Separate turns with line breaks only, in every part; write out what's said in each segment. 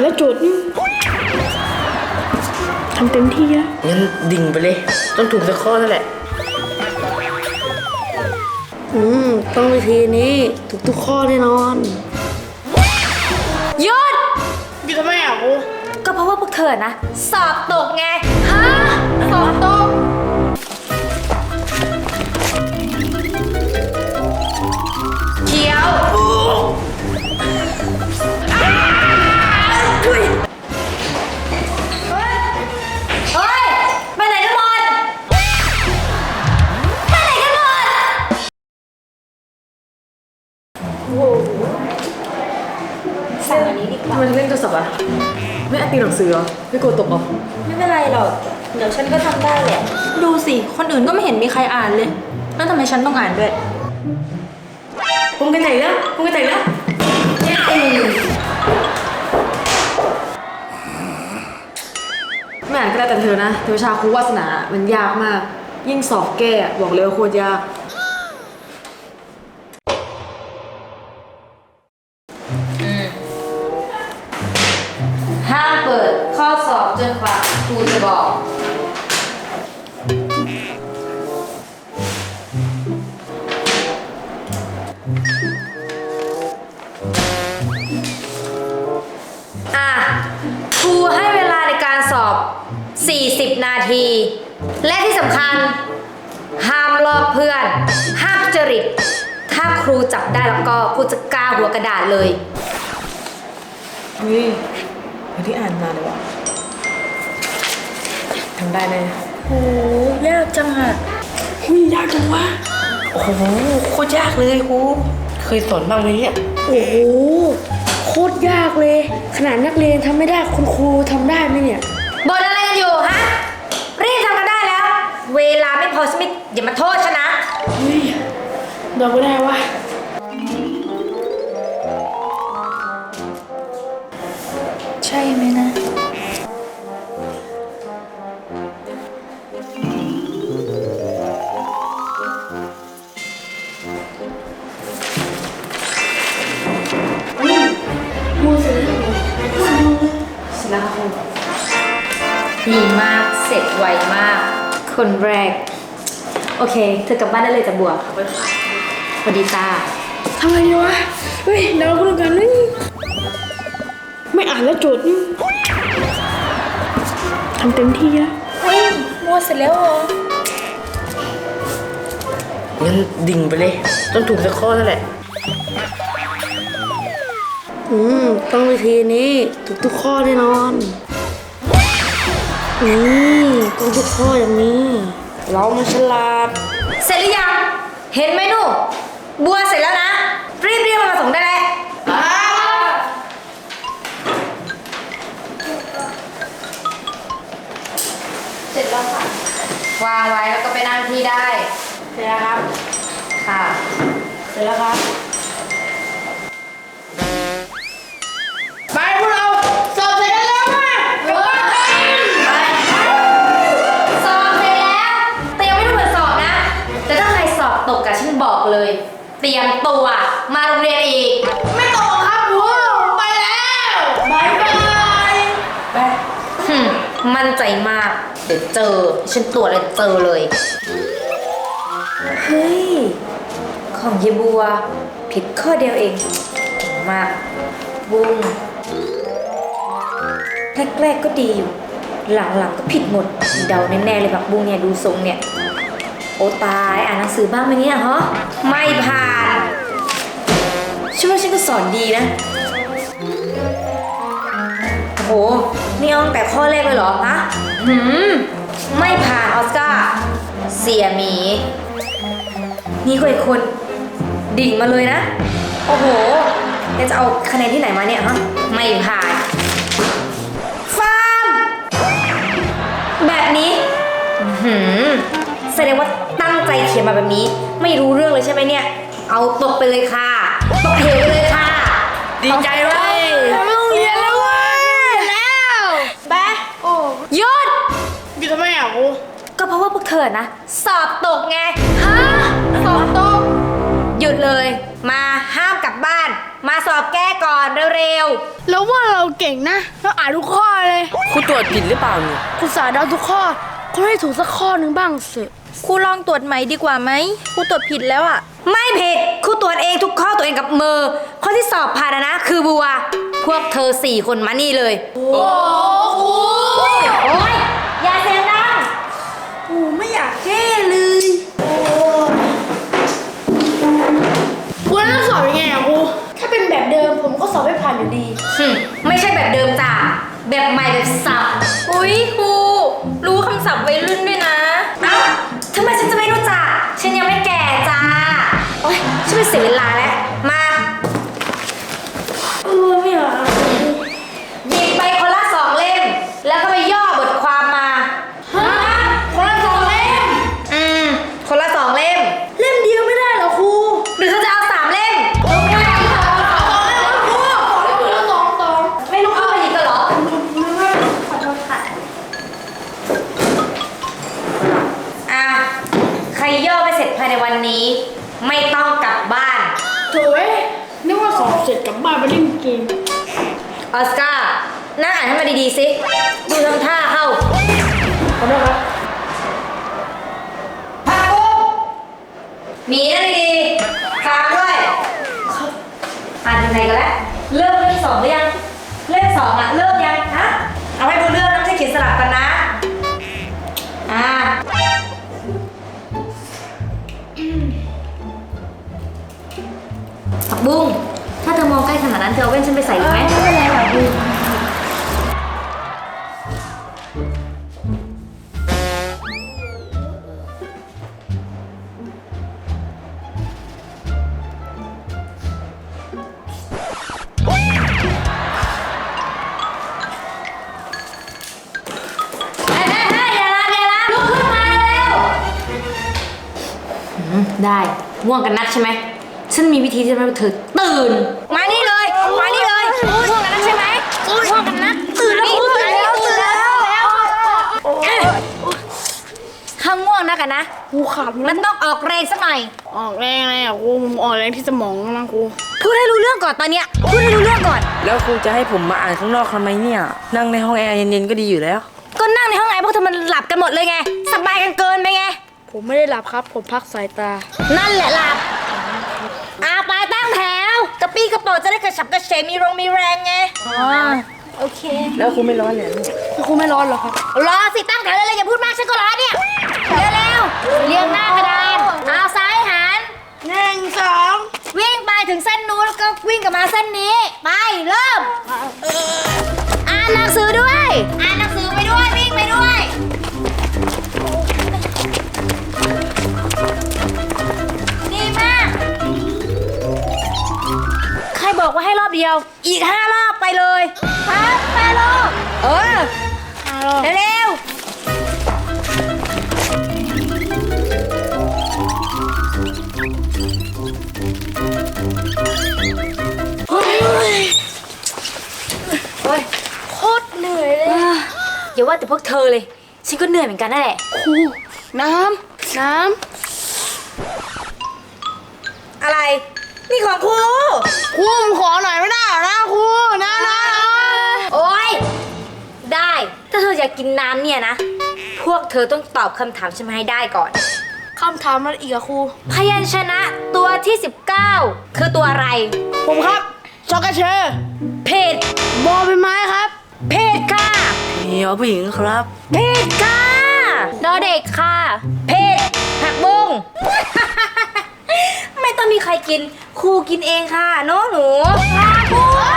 แล้วโจทย์นี่ทำเต็มที่แล้ว
งั้นดิ่งไปเลยต้องถูกสักข้อนั่นแหละต้องวิธีนี้ถูกทุกข้อแน่นอน
หยุด
อยู่ทำไมอ่ะครู
ก็เพราะว่าพวกเธอนะสอบตกไงฮะสอบตกเขียวเฮ้ยไปไหนกันหมดไปไหนกันหมดสั่งอันนี้ดีกว่า
ทำไมถึงเล่นโทรศัพท์อ่ะไม่อ่านตีหนังสือเหรอไม่กลัวตกเหรอ
ไม่เป็นไรหรอกเดี๋ยวฉันก็ทำได้แหละดูสิคนอื่นก็ไม่เห็นมีใครอ่านเลยแล้วทำไมฉันต้องอ่านด้วย
ผมกันไหนแล้วไม่อ่านก็ได้แต่เธอนะแต่วิชาครูวาสนามันยากมากยิ่งสอบแก้บอกเลยว่าโคตรยาก
ห้ามเปิดข้อสอบจนกว่าครูจะบอกครูให้เวลาในการสอบ40 นาทีและที่สำคัญห้ามลอกเพื่อนห้ามจริตถ้าครูจับได้แล้วก็ครูจะกาหัวกระดาษเลย
เฮ้ยไม่ได้อ่านมาเลยวะทำได้แน่
โหยากจังอะ
ยากจังวะ
โอ้โหโคตรยากเลยครูเคยสอนบ้างไหมเนี่ย
โอ้โหโคตรยากเลยขนาดนักเรียนทำไม่ได้คุณครูทำได้ไหมเนี่ย
บ่นอะไรกันอยู่ฮะรีบทำกันได้แล้วเวลาไม่พอสมิธอย่ามาโทษฉันนะ
เราไม่ได้วะ
ใช่ไหมนะดีมากเสร็จไวมากคนแรกโอเคเธอกลับบ้านได้เลยจ้ะบัวสวัสดีจ้า
ทำไงดีวะเฮ้ยเราพูดกันนี่ไม่อ่านแล้วโจทย์นี่ทำเต็มที่แล้ว
เฮ้ยมัวเสร็จแล้วเหรอ
งั้นดิ่งไปเลยต้องถูกสักข้อนั่นแหละต้องวิธีนี้ถูกทุกข้อแน่นอนต้องทุกข้ออย่างนี้เรามันฉลาด
เสร็จหรือยังเห็นไหมหนูบัวเสร็จแล้วนะรีบมาส่งได้แล้วเสร็จแล้วค่ะวางไว้แล้วก็ไปนั่งที่ได้
เสร็จแล้วครับ
ค่ะ
เสร็จแล้วครับไปพวกเราสอบเสร็จกันแล้วมา
สอบเสร็จแล้วแต่ยังไม่ต้องเปิดสอบนะแต่ถ้าใครสอบตกอะฉันบอกเลยเตรียมตัวมาโรงเรียนอีก
ไม่ตกครับครูไปแล้วบายไป
มั่นใจมากเดี๋ยวเจอฉันตรวจเลยเจอเลยเฮ้ยของเยบัวผิดข้อเดียวเองมากบุ้งแรกๆก็ดีอยู่หลังๆก็ผิดหมดเดาแน่ๆเลยแบบบุ้งเนี่ยดูทรงเนี่ยโอ้ตายอ่านหนังสือบ้างไหมเนี่ยฮะไม่ผ่านฉันว่าฉันก็สอนดีนะโหนี่เอาตั้งแต่ข้อแรกเลยเหรอฮะไม่ผ่านออสการ์เสียหมีนี่ก็อีกคนดิ่งมาเลยนะโอ้โหจะเอาคะแนนที่ไหนมาเนี่ยฮะไม่ผ่านฟาร์มแบบนี้แสดงว่าตั้งใจเขียนมาแบบนี้ไม่รู้เรื่องเลยใช่ไหมเนี่ยเอาตกไปเลยค่ะตกเหวไปเลยค่ะ
ดีใจเว้ย
ไม่ต้องเรียนแล้วเว้ยแล้วไป
หยุด
อยู่ทำไมอ่ะครู
ก็เพราะว่าพวกเธอนะสอบตกไงฮะสอบตกหยุดเลยมาห้ามกลับบ้านมาสอบแก้ก่อนเร็ว
แล้วว่าเราเก่งนะเราอ่านทุกข้อเลย
ครูตรวจผิดหรือเปล่าเนี่ย
คุณสาเดาทุกข้อเขาให้ถูกสักข้อหนึ่งบ้างสิ
ๆครูลองตรวจใหม่ดีกว่าไหมครูตรวจผิดแล้วอะไม่ผิดครูตรวจเองทุกข้อตัวเองกับมือข้อที่สอบผ่านนะคือบัวพวกเธอ4 คนมานี่เลยโอ้ยอย่าเสียงดัง
ไม่อยากแก้เลยครูแล้วต้องสอบยังไงอะครูถ้าเป็นแบบเดิมผมก็สอบไม่ผ่านอยู่ดี
ไม่ใช่แบบเดิมจ้ะแบบใหม่แบบสับอุ้ยครูรู้คำศัพท์วัยรุ่นด้วยนะเอ้าทำไมฉันจะไม่รู้จักฉันยังไม่แก่จ้าโอ๊ยฉันไม่เสียเวลาแล้วมา
ไม่อยาก
หยิบไปคนละ2 เล่มแล้วก็ไปย่อบทความมาคนละ2 เล่มคนละ2 เล่ม
เล่มเดียวไม่ได้เหรอครู
หรือเธอจะเอา3 เล่ม ไม่ลุกขึ้นมาอีกเหรอใครย่อไม่เสร็จภายในวันนี้ ไม่ต้องกลับบ้าน
โถ่นึกว่าสอบเสร็จกลับบ้านไปเล่นเกม
ออสการ์น่าอ่านให้มันดีๆสิ ดูทำท่าเข้า
ขอโทษครับ
พักกุ๊บมีนั่นดีๆค้างด้วยอ่านยังไงกันแล้วเริ่มเล่ม 2หรือยังเล่ม 2อ่ะเริ่มยังฮะเอาให้ดูเรื่องนะไม่ใช่เขียนสลับกันนะผักบุ้งถ้าเธอมองใกล้ขนาดนั้นเธอเอาแว่นฉันไปใส่ไหมไม่เป็นไรหรอกบุ้งได้ง่วงกันนักใช่ไหมฉันมีวิธีที่ทำให้เธอตื่นมานี่เลยมานี่เลยง่วงกันนักใช่ไหมง่วงกันนักตื่นแล้วตื่นแล้วถ้าง่วงนักกันนะ
ครูขาด
มันต้องออกแรงสักหน่อย
ออกแรงอะไรอ่ะครูผมออกแรงที่สมองนะครู
พูดให้รู้เรื่องก่อนตอนเนี้ยพูดให้รู้เรื่องก่อน
แล้วครูจะให้ผมมาอ่านข้างนอกทำไมเนี่ย นั่งในห้องแอร์เย็นๆก็ดีอยู่แล้ว
ก็นั่งในห้องไงพวกเธอมันหลับกันหมดเลยไงสบายกันเกินไปไง
ผมไม่ได้หลับครับ ผมพักสายตา
นั่นแหละหลับไปตั้งแถวกระปี้กระเป๋าจะได้กระฉับกระเฉงมีแรงไงโอเค
แล้วครูไม่ร้อนเนี่ย
ครูไม่ร้อนเหรอครับ
รอสิตั้งแถวเลยอย่าพูดมากฉันก็รอเนี่ยเร็วๆเรียงหน้ากระดานเอาซ้ายหัน
1 2
วิ่งไปถึงเส้นนู้นแล้วก็วิ่งกลับมาเส้นนี้ไปเริ่มอ่านหนังสือด้วยอ่านหนังสือไปด้วยวิ่งไปด้วยดีมากใครบอกว่าให้รอบเดียวอีก5 รอบไปเลยครับ5 รอบเร็วโอ้ยโคตรเหนื่อยเลยอย่าว่าแต่พวกเธอเลยฉันก็เหนื่อยเหมือนกันนั่นแหละ
ครูน้ำ
อะไรนี่ของครู
ครูผมขอหน่อยไม่ได้เหรอนะครูนะ
โอ๊ยได้ถ้าเธออยากกินน้ำเนี่ยนะพวกเธอต้องตอบคำถามฉันมาให้ได้ก่อน
คำถามมันอีกอะครู
พยัญชนะตัวที่ 19 คือตัวอะไร
ผมครับช็อกโกเชอร์
ผิด
บอใบไม้ครับ
ผิดค่ะ
เฮียผู้หญิงครับ
ผิดค่ะดอเด็กค่ะผิดผักบุ้ง ไม่ต้องมีใครกินครูกินเองค่ะเน้องหนูค่ะครู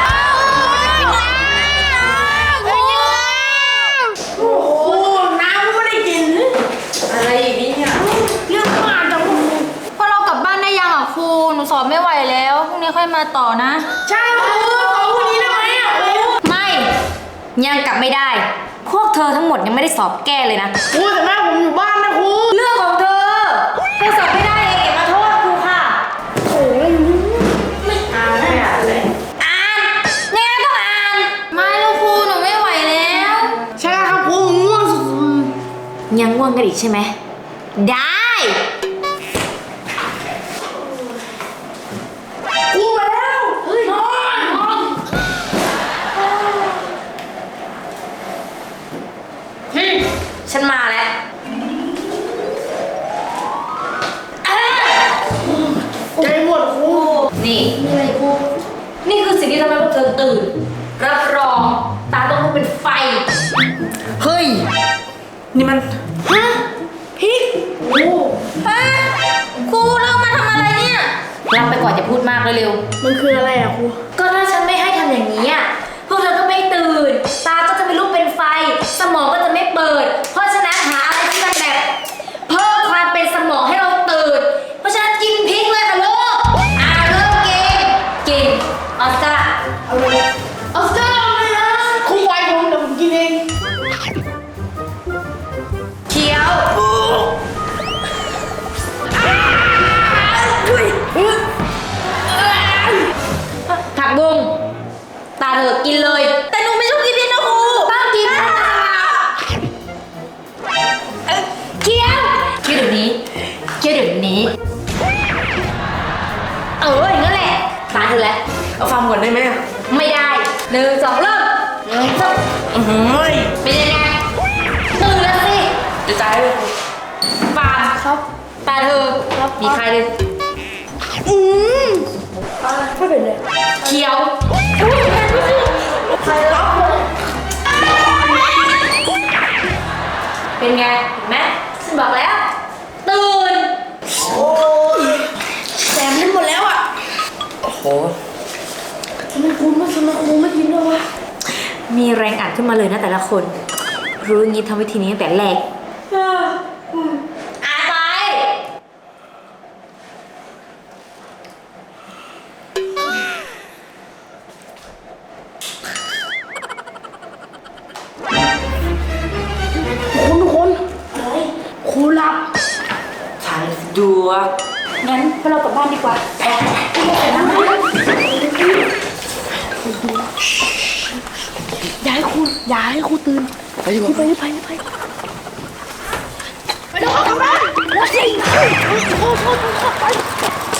โอ้โหน้ำไม่ได้กิน
อะไรอย่างนี้เนี่ย
เรื่องมากจังครู
พอเรากลับบ้านได้ยังอ่ะครู หนูสอบไม่ไหวแล้วพรุ่งนี้ค่อยมาต่อนะ
ใช่ครูขอวันนี้ได้ไหมอะครู
ไม่ ยังกลับไม่ได้ พวกเธอทั้งหมดยังไม่ได้สอบแก้เลยนะ
ครูแต่แม่ผมอยู่บ้านนะครู
เรื่องของเธอสอบไม่ได้เองอย่ามาโทษครูค่ะ
โอ้ยไม่อ่านไม่อ่านเลย
อ่านยังไงต้องอ่าน
ไม่แล้วครูหนูไม่ไหวแล้ว
ใช่ครับครูผมง่วงสุด
ยังง่วงกันอีกใช่ไหม ได้
ครูไปแล้วนอน
ฉันมาแล้ว
ใจหมดครู
นี่
มีอะไรครู
นี่คือสิ่งที่ทำให้พวกเธอตื่น รับรอง ตาต้องลุกเป็นไฟ
เฮ้ย นี่มัน
ฮะพริกโอ้
ฮะครูเรามาทำอะไรเนี่ยรับไปก่อนอย่าพูดมากเร็ว
มันคืออะไรอะครู
ๆก็ถ้าฉันไม่ให้ทำอย่างนี้อะพวกเธอก็ไม่ตื่น ตาก็จะไม่ลุกเป็นไฟ สมองก็จะไม่เปิด เพราะฉะนั้นหาอะไรที่มันแบบเพิ่มความเป็นสมองให้เราตื่น เพราะฉะนั้นกินพริกเลยค่ะลูกเริ่มกินออสการ์
เอาเลยออสการ์เอาเลยนะครูไว้ผมเดี๋ยวผมกินเอง
เคี้ยว ผักบุ้งตาเธอกินเลย แต่หนูไม่ชอบกินพริกนะครูต้องกินเคี้ยวเดี๋ยวนี้อย่างนั้นแหละตาเธอแล้ว
เอาฟังก่อนได้ไหมอะ
ไม่ได้1 2เริ่ม1 2
อื้อหือ
เป็นยังไงตื่นแล้วสิ
จะตายเลย
ฟาร์มครับตาเธอมีใครเลย
ไม่เป็นไร
เคี้ยวเป็นไงเห็นไหมฉันบอกแล้ว ตื่น
แสบลิ้นหมดแล้วอะ
โอ้โห
ทำไมครูไม่กินด้วยวะ
มีแรงอัดขึ้นมาเลยนะแต่ละคน รู้อย่างนี้ทำวิธีนี้ตั้งแต่แรกอ่านไป
ทุกคนครูหลับ
สายดูว่า
งั้นพวกเรากลับบ้านดีกว่า
อย่าให้ครูตื่น
ไปดีกว่า
ไปแล้วกลับบ้านแล้วสิโทษไป